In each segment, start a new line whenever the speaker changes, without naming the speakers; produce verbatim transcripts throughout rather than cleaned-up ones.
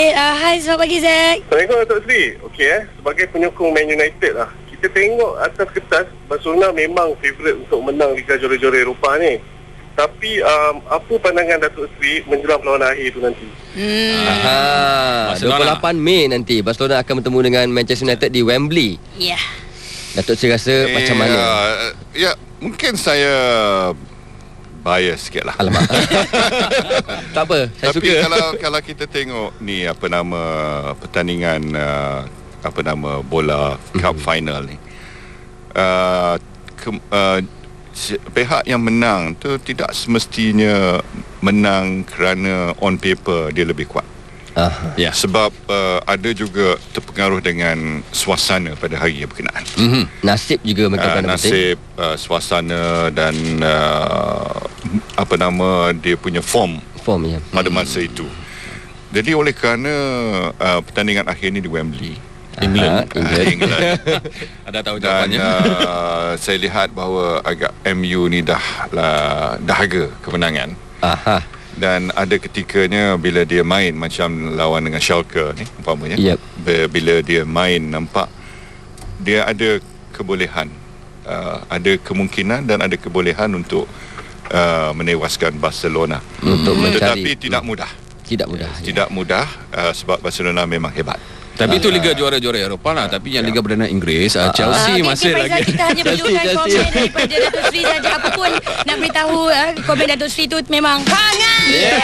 Uh, hai, selamat pagi Zack.
Assalamualaikum Datuk Seri. Okey eh, sebagai penyokong Man United lah, kita tengok atas kertas Barcelona memang favourite untuk menang Liga Juara-Juara Eropah ni. Tapi um, apa pandangan Datuk Seri menjelang perlawanan akhir tu nanti?
Hmm. Aha, dua puluh lapan Mei nanti Barcelona akan bertemu dengan Manchester United di Wembley.
Ya. Yeah.
Datuk Seri rasa eh, macam mana?
Uh, ya, mungkin saya bias sikit lah.
Alamak. Tak apa, saya
Tapi
suka.
kalau kalau kita tengok ni apa nama pertandingan uh, apa nama bola cup mm-hmm. final ni, uh, ke, uh, pihak yang menang tu tidak semestinya menang kerana on paper dia lebih kuat.
Uh,
ya. Sebab uh, ada juga terpengaruh dengan suasana pada hari yang berkenaan.
Mm-hmm. Nasib juga
uh, nasib, uh, suasana dan uh, apa nama dia punya form,
form ya.
pada masa itu. Jadi oleh kerana uh, pertandingan akhir ni di Wembley,
England,
uh, England. England.
Ada tahu jawapannya.
Dan uh, saya lihat bahawa agak M U ni dah lah, dahaga kemenangan.
Aha.
Dan ada ketikanya bila dia main macam lawan dengan Schalke ni umpamanya,
yep.
bila dia main nampak dia ada kebolehan, uh, ada kemungkinan dan ada kebolehan untuk uh, menewaskan Barcelona.
Untuk
hmm.
mencari.
Tetapi tidak mudah.
Tidak mudah.
Tidak ya. mudah uh, sebab Barcelona memang hebat.
Tapi itu Liga Juara-Juara Eropah lah. Tapi yang Liga Perdana Inggris, uh, Chelsea
uh,
masih
okay,
lagi.
Kita hanya perlukan komen daripada Datuk Seri saja. Apa pun nak beritahu, uh, komen Datuk Seri tu memang hangat. Yeah.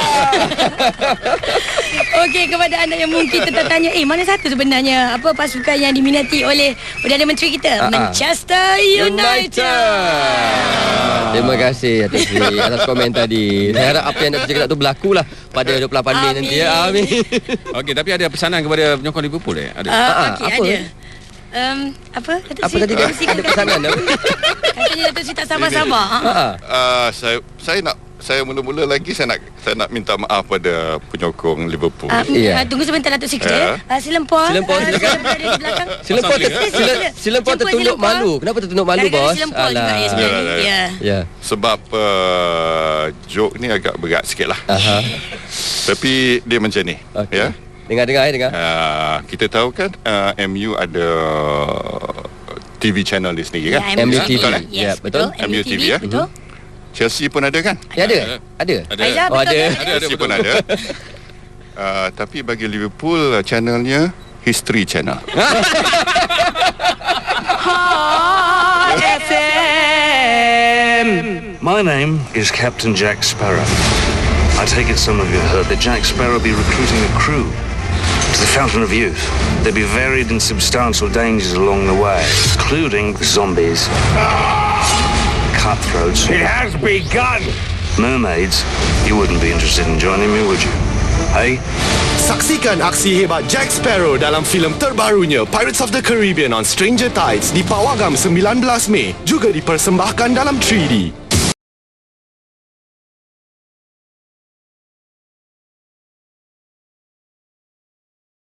Okey, kepada anda yang mungkin tertanya, eh mana satu sebenarnya apa pasukan yang diminati oleh Perdana Menteri kita? Uh-huh. Manchester United.
United. Terima kasih Datuk Seri atas komen tadi. Saya harap apa yang Datuk Seri cakap tu berlakulah pada dua puluh lapan Mei nanti. Amin.
Okey, tapi ada pesanan kepada penyokong Liverpool eh? Ada.
Uh, Okey,
apa?
ada. Um, apa? Datuk
Apa tadi? Ada pesanan apa?
Katanya Datuk Seri tak sabar-sabar.
Uh, saya saya nak saya mula-mula lagi saya nak saya nak minta maaf pada penyokong Liverpool.
Uh, yeah. uh, tunggu sebentar Datuk Seri kejap ya. Uh, Silempor.
Silempor
uh,
silakan.
Di belakang.
Silempor ter, sila, silempor tertunduk malu. Kenapa tertunduk malu, bos?
Silempor juga ya sebenarnya.
Ya.
Ya.
ya. Sebab uh, joke ni agak berat sikit lah.
Aha.
Tapi dia macam ni. Okay. Ya.
Dengar-dengar, dengar.
Uh, kita tahu kan uh, M U ada T V channel di sendiri kan?
Ya, M U T V.
Betul,
yes, yes, betul.
M U T V ya.
Betul.
Chelsea pun ada kan?
Ya, ada. Ada.
Ada.
Aizah,
oh, ada.
Ada, ada,
Chelsea pun ada. Uh, tapi bagi Liverpool channelnya History Channel.
F M. My name is Captain Jack Sparrow. I take it some of you heard that Jack Sparrow be recruiting a crew to the Fountain of Youth. There'll be varied and substantial dangers along the way, including zombies, cutthroats.
It has begun!
Mermaids. You wouldn't be interested in joining me, would you? Hey?
Saksikan aksi hebat Jack Sparrow dalam filem terbarunya Pirates of the Caribbean on Stranger Tides di Pawagam sembilan belas Mei, juga dipersembahkan dalam tiga D.